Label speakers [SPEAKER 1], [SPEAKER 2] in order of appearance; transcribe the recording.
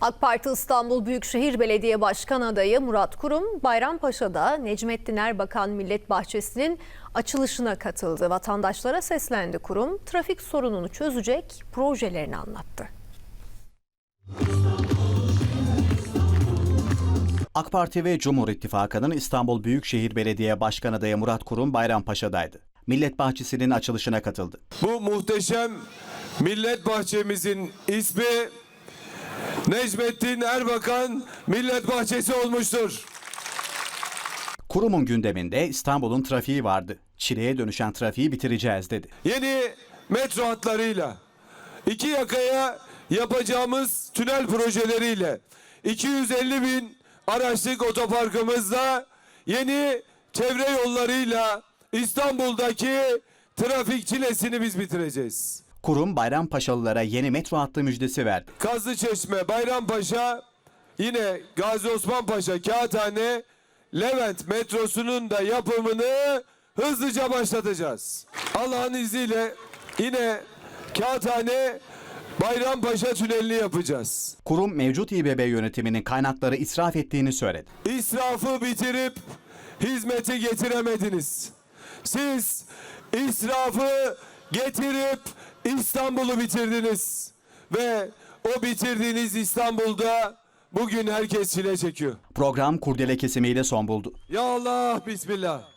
[SPEAKER 1] AK Parti İstanbul Büyükşehir Belediye Başkan adayı Murat Kurum, Bayrampaşa'da Necmettin Erbakan Millet Bahçesi'nin açılışına katıldı. Vatandaşlara seslendi. Kurum, trafik sorununu çözecek projelerini anlattı.
[SPEAKER 2] AK Parti ve Cumhur İttifakı'nın İstanbul Büyükşehir Belediye Başkan adayı Murat Kurum Bayrampaşa'daydı. Millet Bahçesi'nin açılışına katıldı.
[SPEAKER 3] Bu muhteşem Millet Bahçemizin ismi Necmettin Erbakan Millet Bahçesi olmuştur.
[SPEAKER 2] Kurum'un gündeminde İstanbul'un trafiği vardı. Çileye dönüşen trafiği bitireceğiz dedi.
[SPEAKER 3] Yeni metro hatlarıyla, iki yakaya yapacağımız tünel projeleriyle, 250 bin araçlık otoparkımızla, yeni çevre yollarıyla İstanbul'daki trafik çilesini biz bitireceğiz.
[SPEAKER 2] Kurum, Bayrampaşalılara yeni metro hattı müjdesi verdi.
[SPEAKER 3] Kazlıçeşme, Bayrampaşa, yine Gazi Osman Paşa, Kağıthane, Levent metrosunun da yapımını hızlıca başlatacağız. Allah'ın izniyle yine Kağıthane, Bayrampaşa tünelini yapacağız.
[SPEAKER 2] Kurum, mevcut İBB yönetiminin kaynakları israf ettiğini söyledi.
[SPEAKER 3] İsrafı bitirip hizmeti getiremediniz. Siz israfı getirip İstanbul'u bitirdiniz. Ve o bitirdiğiniz İstanbul'da bugün herkes çile çekiyor.
[SPEAKER 2] Program kurdele kesimiyle son buldu.
[SPEAKER 3] Ya Allah, Bismillah.